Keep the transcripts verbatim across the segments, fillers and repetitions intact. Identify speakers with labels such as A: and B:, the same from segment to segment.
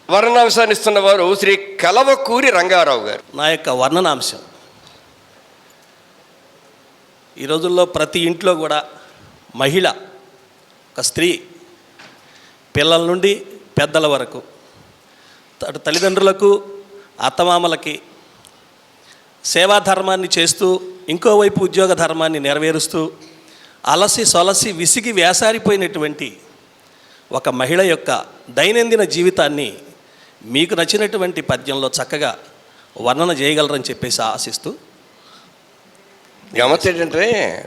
A: వర్ణనాంశాన్ని ఇస్తున్న వారు శ్రీ కలవకూరి రంగారావు గారు.
B: నా యొక్క వర్ణనాంశం ఈ రోజుల్లో ప్రతి ఇంట్లో కూడా మహిళ, ఒక స్త్రీ, పిల్లల నుండి పెద్దల వరకు, అటు తల్లిదండ్రులకు అత్తమామలకి సేవా ధర్మాన్ని చేస్తూ ఇంకోవైపు ఉద్యోగ ధర్మాన్ని నెరవేరుస్తూ అలసి సొలసి విసిగి వేసారిపోయినటువంటి ఒక మహిళ యొక్క దైనందిన జీవితాన్ని మీకు నచ్చినటువంటి పద్యంలో చక్కగా వర్ణన చేయగలరని చెప్పేసి ఆశిస్తూ.
A: గమనించి ఏంటంటే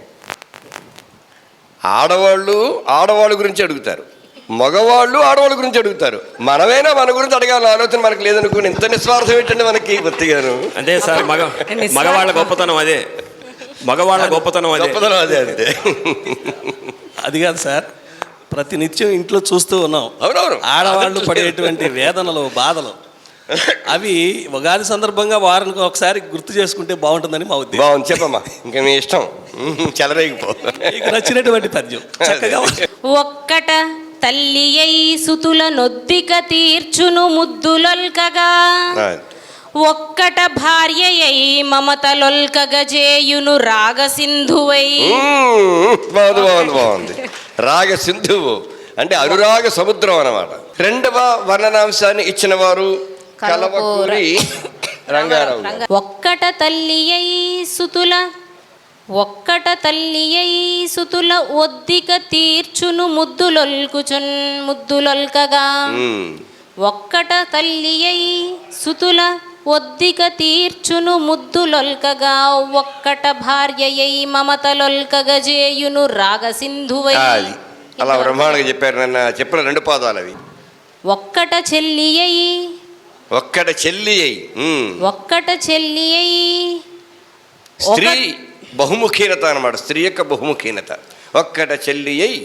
A: ఆడవాళ్ళు ఆడవాళ్ళ గురించి అడుగుతారు, మగవాళ్ళు ఆడవాళ్ళ గురించి అడుగుతారు. మనమైనా మన గురించి అడగాలని ఆలోచన మనకు లేదనుకోండి. ఇంత నిస్వార్థం ఏంటంటే మనకి బొత్తిగాను.
C: అదే సార్, మగ మగవాళ్ళ గొప్పతనం అదే, మగవాళ్ళ గొప్పతనం అదే
A: గొప్పతనం అదే అంతే.
B: అది కాదు సార్, ప్రతినిత్యం ఇంట్లో చూస్తూ ఉన్నాం.
A: అవునవును,
B: ఆడవాళ్ళు పడేటువంటి వేదనలు, బాధలు, అవి ఉగాది సందర్భంగా వారానికి ఒకసారి గుర్తు చేసుకుంటే బాగుంటుందని మా ఉద్దేశం.
A: బాగుంది, చెప్పమ్మా. ఇంకా మీ ఇష్టం, చెలరేగిపో.
B: మీకు నచ్చినటువంటి పద్యం చక్కగా.
D: ఒక్కట తల్లి అయి సుతుల నొద్దిక తీర్చును ముద్దులొల్కగా, ఒక్కట భార్య అయి మమతలొల్కగ జేయును రాగ సింధువై.
A: బాగుంది బాగుంది బాగుంది. రాగ సింధువు అంటే అనురాగ సముద్రం అన్నమాట. రెండవ వర్ణనాంశాన్ని ఇచ్చిన వారు కలవకూరి రంగారావు.
D: ఒక్కట తల్లి అయి సుతుల ఒక్కట తల్లి అయి సుతుల ఒద్దిక తీర్చును ముద్దులొల్కుచున్ ముద్దులొల్కగా, ఒక్కట తల్లి అయి సుతుల ఒద్దిక తీర్చును ముద్దులొల్కగా, ఒక్కట భార్య అయి మమతలొల్కగ జేయును రాగ సింధువై.
A: అలా బ్రహ్మాండంగా చెప్పారు. నన్ను చెప్పిన రెండు పాదాలు అవి.
D: ఒక్కట చెల్లి అయి
A: ఒక్కట చెల్లి అయి
D: ఒక్కట చెల్లి అయి
A: స్త్రీ బహుముఖీనత అన్నమాట. స్త్రీ యొక్క బహుముఖీనత. ఒక్కట చెల్లి అయి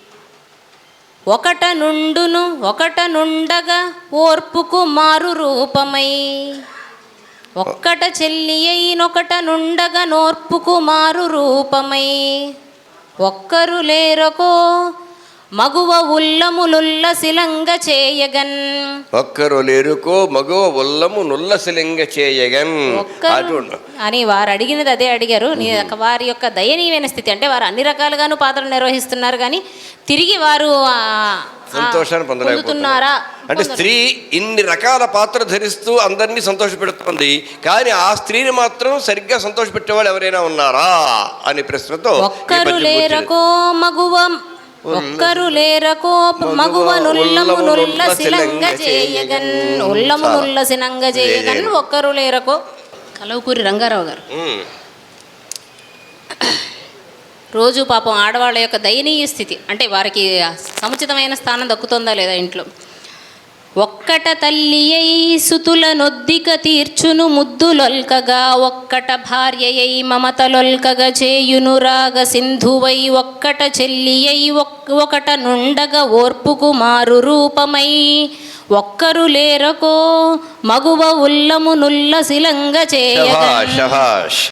D: ఒకట నుండును ఒకట నుండగా ఓర్పుకు మారు రూపమై, ఒక్కట చెల్లి అయినొకట నుండగా నోర్పుకు మారు రూపమై, ఒక్కరు లేరకో మగువ ఉల్లములుల్ల శిలంగ చేయగన్.
A: ఒక్కరు లేరుకో మగువ ఉల్లము నుల్లశిలంగ చేయగన్
D: అని వారు అడిగినది అదే అడిగారు. వారి యొక్క దయనీయమైన స్థితి అంటే వారు అన్ని రకాలుగాను పాత్రలు నిర్వహిస్తున్నారు, కానీ తిరిగి వారు
A: సంతోషాన్ని పొందలేకపోతున్నారా అంటే స్త్రీ ఇన్ని రకాల పాత్ర ధరిస్తూ అందరినీ సంతోష పెడుతుంది, కానీ ఆ స్త్రీని మాత్రం సరిగ్గా సంతోష పెట్టేవాళ్ళు ఎవరైనా ఉన్నారా అని ప్రశ్నతో
D: ఒక్కరు లేరకో మగువ ఒక్కరు లేరకో మగువ నుల్లము నుల్ల శిలంగ చేయగన్ ఉల్లము నుల్ల శిలంగ చేయగన్ ఒక్కరు లేరకో. కలవకూరి రంగారావు గారు. రోజు పాపం ఆడవాళ్ళ యొక్క దయనీయ స్థితి అంటే వారికి సముచితమైన స్థానం దక్కుతుందా లేదా ఇంట్లో. ఒక్కట తల్లి అయి సుతుల నొద్దిక తీర్చును ముద్దులొల్కగా, ఒక్కట భార్య అయి మమతలొల్కగ చేయును రాగ సింధువై, ఒక్కట చెల్లి అయి ఒకట నుండగా ఓర్పుకు మారు రూపమై, ఒక్కరు లేరకో మగువ ఉల్లము నుల్ల శిలంగ చేయగ.